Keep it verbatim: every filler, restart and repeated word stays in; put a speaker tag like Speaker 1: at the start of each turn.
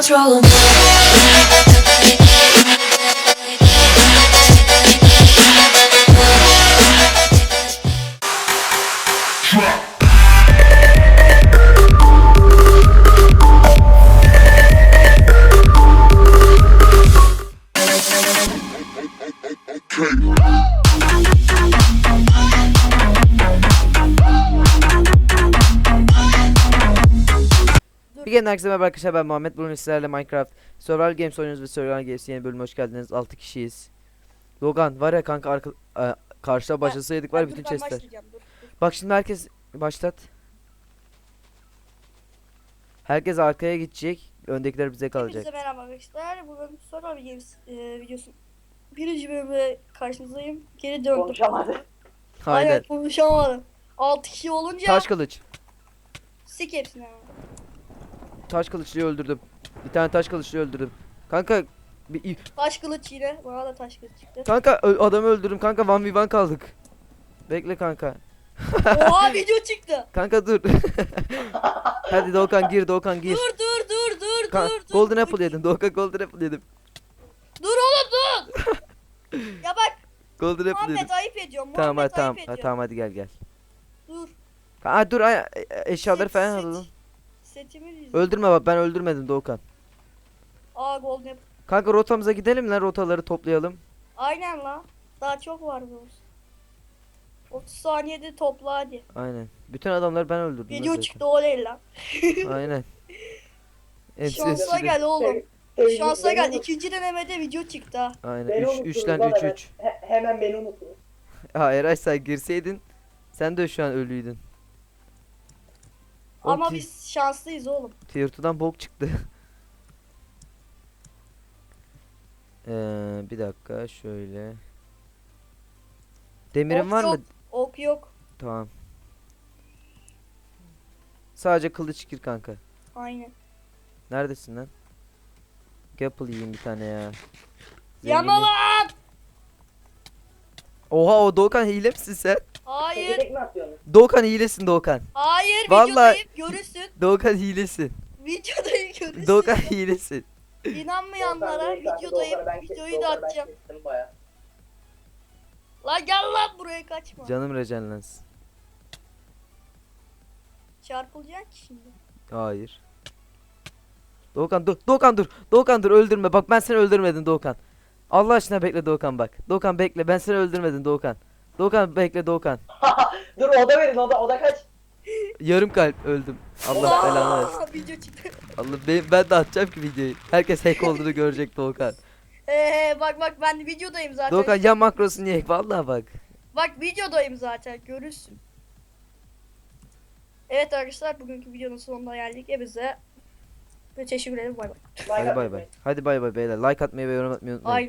Speaker 1: wheels roll.
Speaker 2: Bir kere herkese merhaba arkadaşlar, ben Muhammed. Bugün sizlerle Minecraft Survival Games oynuyoruz ve Survival Games yeni bölüme hoş geldiniz. altı kişiyiz. Logan var ya kanka, arka, e, karşıda başlasaydık var ya,
Speaker 3: Ben-
Speaker 2: bütün
Speaker 3: dur, ben
Speaker 2: chestler.
Speaker 3: başlayacağım, dur, dur.
Speaker 2: Bak şimdi herkes başlat. Herkes arkaya gidecek. Öndekiler bize kalacak.
Speaker 3: Hepinize merhaba arkadaşlar. Bugün Survival Games e, videosu birinci bölümde karşınızdayım. Geri döndüm.
Speaker 4: Konuşamadı.
Speaker 2: Aynen.
Speaker 3: Aynen konuşamadım. altı kişi olunca
Speaker 2: Taş kılıç.
Speaker 3: sik hepsini hemen.
Speaker 2: Taş kılıçlıyı öldürdüm. Bir tane taş kılıçlıyı öldürdüm. Kanka bir,
Speaker 3: Taş kılıç yine. Bana da taş kılıç çıktı.
Speaker 2: kanka ö- adamı öldürdüm kanka, bir bir kaldık. Bekle kanka.
Speaker 3: Oha video çıktı.
Speaker 2: Kanka dur. Hadi Doğukan gir, Doğukan gir.
Speaker 3: Dur dur dur dur
Speaker 2: Kan-
Speaker 3: dur dur.
Speaker 2: Golden Apple yedim. Doğukan Golden Apple yedim.
Speaker 3: Dur oğlum dur. Ya bak
Speaker 2: Golden Apple yedim.
Speaker 3: Muhammed ayıp ediyorum.
Speaker 2: Tamam
Speaker 3: Muhammed
Speaker 2: hadi tamam.
Speaker 3: ayıp
Speaker 2: Ha,
Speaker 3: ediyorum.
Speaker 2: tamam hadi gel gel.
Speaker 3: Dur.
Speaker 2: Ha dur, ay, e- eşyaları
Speaker 3: Set-
Speaker 2: falan
Speaker 3: set-
Speaker 2: alalım.
Speaker 3: Setimi diz.
Speaker 2: Öldürme bak, ben öldürmedim Doğukan.
Speaker 3: Aa golden apple.
Speaker 2: Kanka rotamıza gidelim lan, rotaları toplayalım.
Speaker 3: Aynen la. Daha çok var bu. otuz saniyede topla hadi.
Speaker 2: Aynen. Bütün adamları ben öldürdüm. lan
Speaker 3: Video
Speaker 2: zaten.
Speaker 3: çıktı oley lan.
Speaker 2: Aynen. Hepsi-
Speaker 3: Şansa
Speaker 2: hepsi-
Speaker 3: gel oğlum.
Speaker 4: Beni-
Speaker 3: Şansa
Speaker 4: beni
Speaker 3: gel.
Speaker 4: unut-
Speaker 3: İkinci denemede video çıktı ha.
Speaker 2: Aynen.
Speaker 4: beni
Speaker 2: üç
Speaker 4: unuttunuz
Speaker 2: üçten
Speaker 4: lan
Speaker 2: üç
Speaker 4: hemen.
Speaker 2: üç.
Speaker 4: He- hemen beni unuttunuz.
Speaker 2: Ha Eray, sen girseydin sen de şu an ölüydün. Oğlum,
Speaker 3: Ama
Speaker 2: ti-
Speaker 3: biz şanslıyız oğlum.
Speaker 2: Tier iki'dan bok çıktı. Ee, bir dakika şöyle. Demirin
Speaker 3: Ok
Speaker 2: var mı?
Speaker 3: yok. Ok yok.
Speaker 2: Tamam. Sadece kılıç gir kanka.
Speaker 3: Aynen.
Speaker 2: Neredesin lan? Apple yiyeyim bir tane ya.
Speaker 3: Yana
Speaker 2: Zenginlik-
Speaker 3: lan.
Speaker 2: Oha, o Doğukan hile misin sen?
Speaker 3: Hayır.
Speaker 4: Tekerlek mi atıyorsunuz?
Speaker 2: Doğukan hilesin Doğukan.
Speaker 3: Hayır.
Speaker 2: Vallahi-
Speaker 3: Videodayım. Görürsün.
Speaker 2: Doğukan hilesin.
Speaker 3: Videodayım görürsün.
Speaker 2: Doğukan hilesin.
Speaker 3: İnanmayanlara
Speaker 4: Doğukan değil, kanka,
Speaker 3: videodayım.
Speaker 4: Doğukan'ı ben kes-
Speaker 3: Videoyu da
Speaker 4: Doğukan'ı ben
Speaker 3: atacağım.
Speaker 4: kestim bayağı.
Speaker 3: Lan gel lan buraya kaçma.
Speaker 2: Canım rejenlens.
Speaker 3: Çarpılacaksın ki şimdi.
Speaker 2: Hayır. Doğukan dur. Doğukan dur. Doğukan dur, öldürme. Bak ben seni öldürmedim Doğukan. Allah aşkına bekle Doğukan bak. Doğukan bekle, ben seni öldürmedim Doğukan. Doğukan bekle Doğukan.
Speaker 4: Dur oda verin oda oda kaç?
Speaker 2: Yarım kalp öldüm. Allah belanı versin.
Speaker 3: Aa, video çıktı.
Speaker 2: Allah, ben, ben de atacağım ki videoyu. Herkes hack olduğunu görecek Doğukan.
Speaker 3: Ee, bak bak ben videodayım zaten.
Speaker 2: Doğukan ya makrosunu ye. Vallahi bak.
Speaker 3: Bak videodayım zaten görürsün. Evet arkadaşlar bugünkü videonun sonuna geldik. Hepinize ve teşekkür ederim. Bay bay.
Speaker 4: Like
Speaker 2: Hadi bay
Speaker 4: atmayın.
Speaker 2: bay. Hadi bay bay beyler. Like atmayı ve yorum atmayı unutmayın.
Speaker 3: Ay